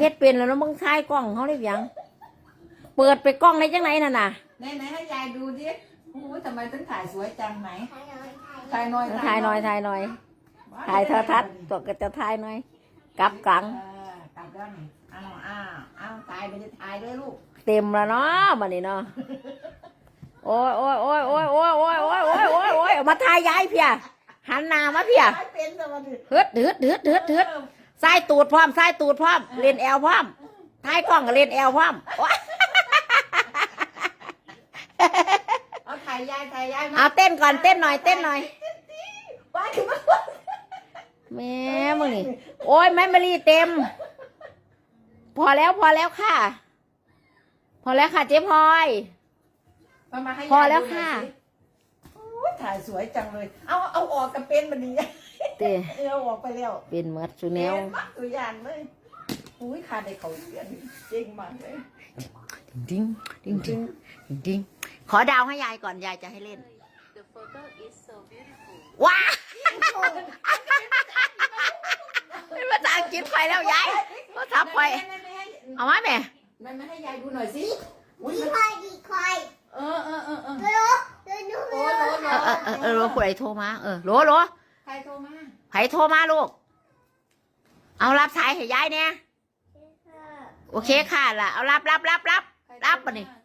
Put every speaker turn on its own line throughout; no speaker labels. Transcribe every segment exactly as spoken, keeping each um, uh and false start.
ฮ็ดเป็นแล้วมึงถ่ายกล้องเขาได้ยังเปิดไปกล้องได้จังไหนน่ะน่ะ
ไหนไหนให้ยายดูดิโอ้ยทำไมถึงถ่ายสวยจังไหนถ่ายน้อย
ถ่ายหน่อยถ่ายหน่อยถ่ายโทรทัศน์ตัวก็จะถ่ายหน่อยกลับกลาง
กลับแล้วนี่อ้าวอ้าวอ้าวถ่ายไปจะถ่ายด้วยลูก
เต็มแล้วเนาะบัดนี้เนาะโอ้ยโอ้ยโอ้ยโอ้ยโอ้ยโอ้ยโอ้ยโอ้ยโอ้ยโอ้ยมาถ่ายยายเพียหันหน้ามาเพียฮึดฮึดฮึดฮึดฮึดใส่ตูดพร้อมใส่ตูดพร้อมเล่นแอลพร้อมถ่ายกล้องก็เล่นแอลพร้อม
เอาถ่ายยายถ่ายยาย
เอาเต้นก่อนเต้นหน่อยเต้นหน่อยแม่มึงนี่โอ้ยแม่มารีเต็มพอแล้วพอแล้วค่ะพอแล้วค่ะเจ๊พลอยพอแล้วค่ะ
ถ่ายสวยจังเลยเอาเอาออกกับเป็นมันดี
เต้
เอาออกไปแล้ว
เป็นเมื่อสุแนว
ตัวอย่างเลยอุ้ยขาดในเขาเสียเจ๋งมากเลย
ดิ้งดิ้งดิ้งดิ้งดิ้งขอดาวให้ยายก่อนยายจะให้เล่นว้าเป็นภาษาอังกฤษไปแล้วยายภาษาไปเอาไหมแม่
แม่มาให้ยายดูหน่อยสิ
ดีคอยดีคอย
เออเออเออเออ
โลโลโลโลโล
เออเออเออโลผู้ใดโทรมาเออโลโล
ใครโทรมา
ใครโทรมาลูกเอารับสายให้ยายเนี่ยโอเคค่ะล่ะเอารับรับรับรับรับปะนี่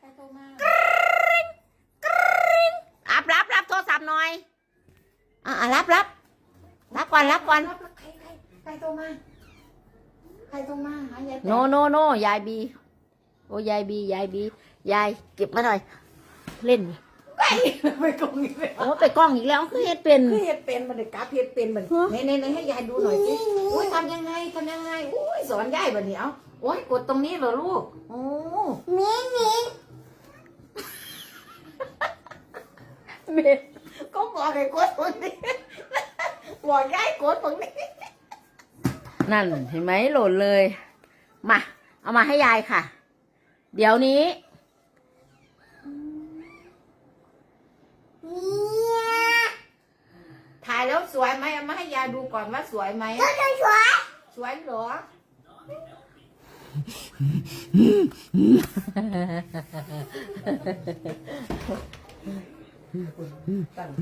รับรับรับโทรศัพท์หน่อยอ่ารับรับรับก่อนรับก่อน
ใครใครใครโทรมาใครโทรมาหายาย
โนโนโนยายบีโอ้ยายบียายบียายเก็บมาหน่อยเล่น
ไปไปกล้องอีกแล้ว
โอ้ไปกล้องอีกแล้วคือเฮ็ดเป็น
คือเฮ็ดเป็นมันเลยกราฟเฮ็ดเป็นมันในในในให้ยายดูหน่อยสิอุ้ยทำยังไงทำยังไงอุ้ยสอนยายแบบนี้เอาโอ้ยกดตรงนี้เหรอลูกโอ้
มีมี
เมย์ก็บอกให้กดตรงนี้บอกยายกดตรงนี้
นั่นเห็นไหมโหล่นเลยมาเอามาให้ยายค่ะเดี๋ยวนี้
ถ่ายแล้วสวยไหมเอามาให้ยายดูก่อนว่าสวยไหม
สวยสวย
สวยเหรอตั้งใจ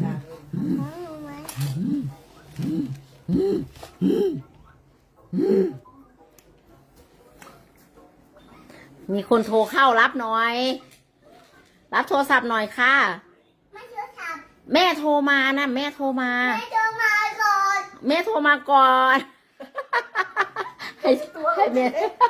มีคนโทรเข้ารับหน่อยรับโทรศัพท์หน่อยค่ะแม่โทรมานะแม่โทรมา
แม่โทรมาก่อน
แม่โทรมาก่อนให้ให้แม่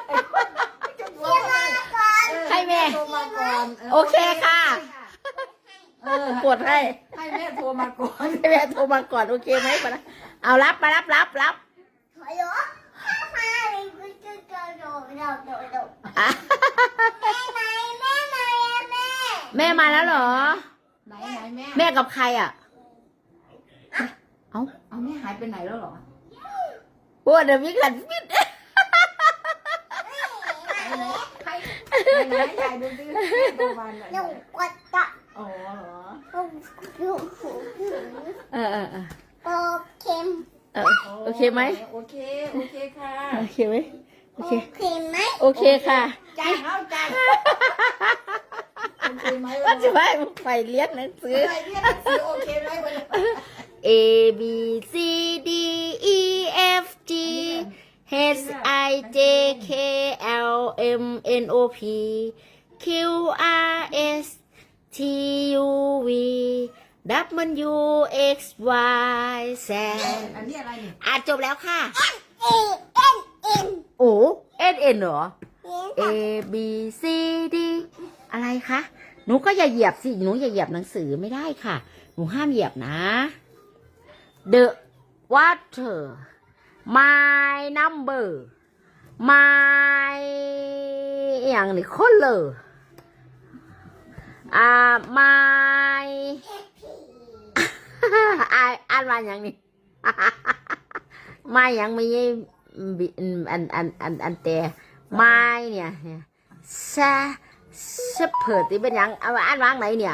ให้แม่โอเคค่ะกดให้
ให้แม่โทรมาก่อน
ให้แม่โทรมาก่อนโอเคไหมปะนะเอารับไปรับรับรับ
ฮัลโหลมาเลยกูจะโดดโดดโดดโดดโดดแม่ไหนแม่ไหนอะแม่
แม่มาแล้วเหรอ
ไหนไหนแม่
แม่กับใครอ่ะ
เอาเอาแม่หายไปไหนแล้วเหรอ
โอ้เดี๋ยวมีขันฟิต
ใครไหนใหญ่ดูดิตัวมันไหน
ลูกกดตะ
อ๋อเหรอ
ลูก
เออเออเออ
โอเค
โอเคไหม
โอเคโอเคค่ะ
โอเคไหมโอเค
โอเคไหม
โอเคค่ะ
จ้าเอาจ้าโอเคไหม
ว่าจะไปไปเรียนหนังสือ
ไปเรียนหนังสือโอเคไหม
A B C D E F G H I J K L M N O P Q R S T U V W X Y Z
อันนี้อะไรนี่
อ่านจบแล้วค่ะ
A N N
โอ้ N N เหรอ A B C D อะไรคะหนูก็อย่าเหยียบสิหนูอย่าเหยียบหนังสือไม่ได้ค่ะหนูห้ามเหยียบนะ The water my number my อย่างนี้คนเลยอ่า my อ่านอ่านว่าอย่างนี้ my ยังไม่อันอันอันอันแต่ my เนี่ยซาสเปิดที่เป็นยังเอาอ่านว่างไหนเนี่ย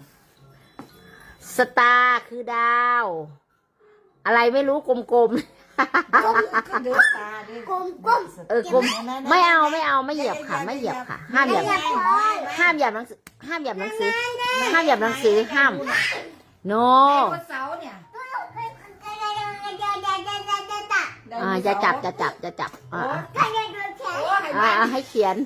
สตาร์คือดาวอะไรไม่รู้กลม
เดือดตาดิ
กลมกลม
เออกลมไม่เอาไม่เอาไม่เหยียบค่ะ ไม่เหยียบค่ะ ห้ามเหยียบห้ามเหยียบหนังสือห้ามเหยียบหนังสือห้ามเหยียบหนังสือห้าม no
คนเสาเนี่ย
อ่าจะจับจะจับจะจับอ่า
โอ้ให้
อ่า
บ้าน
อ่าให้เขียน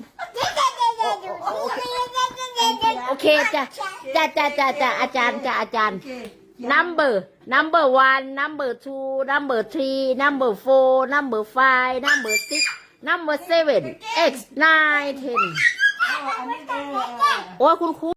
โอเคจ้ะจ้ะจ้ะจ้ะจ้ะอาจารย์จ้ะอาจารย์ number number one number two number three number four number five number six number seven eight nine ten
เอาอันนี้เออ
โอ้ยคุณครู